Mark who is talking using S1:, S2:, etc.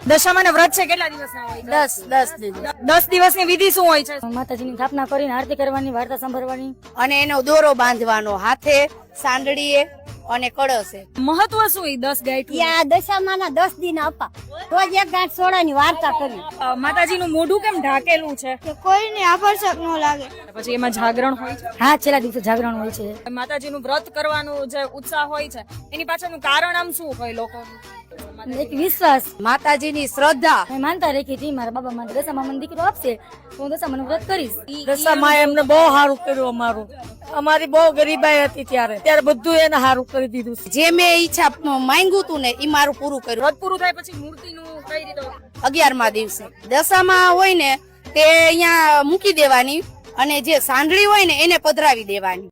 S1: દશામાના વ્રત છે કેટલા દિવસના હોય?
S2: 10 દિવસ
S1: 10 દિવસની વિધિ શું હોય છે?
S2: માતાજીની સ્થાપના કરીને આરતી કરવાની, વાર્તા સાંભળવાની
S3: અને એનો દોરો બાંધવાનો હાથે, સાંડળીએ અને કળશે.
S1: મહત્વ શું એ 10 ગાંઠ?
S2: આ દશામાના 10 દિન આપા રોજ એક ગાંઠ સોડાની વાર્તા કરી.
S1: માતાજીનું મોઢું કેમ ઢાકેલું છે?
S4: કે કોઈને આકર્ષક ન લાગે.
S1: પછી એમાં જાગરણ હોય છે.
S2: હા, છેલ્લા દિવસે જાગરણ હોય છે.
S1: માતાજીનું વ્રત કરવાનું જે ઉત્સાહ હોય છે એની પાછળનું કારણ આમ શું હોય લોકોનું?
S2: એક વિશ્વાસ,
S3: માતાજીની શ્રદ્ધા.
S2: મેં માનતા રાખી હતી મારા બાબા મને દશામાં મને દીકરો આપશે તો હું દશામાનું વ્રત કરીશ.
S5: દશામાં એમને બહુ સારું કર્યું. અમારી બહુ ગરીબાઈ હતી ત્યારે બધું એને સારું કરી દીધું.
S3: જે મેં ઈચ્છા માંગ્યું તું ને એ મારું પૂરું કર્યું.
S1: વ્રત પૂરું થાય પછી મૂર્તિનું કઈ રીતે?
S3: 11મા દિવસે દશામાં હોય ને તે અહીંયા મૂકી દેવાની અને જે સાંડળી હોય ને એને પધરાવી દેવાની.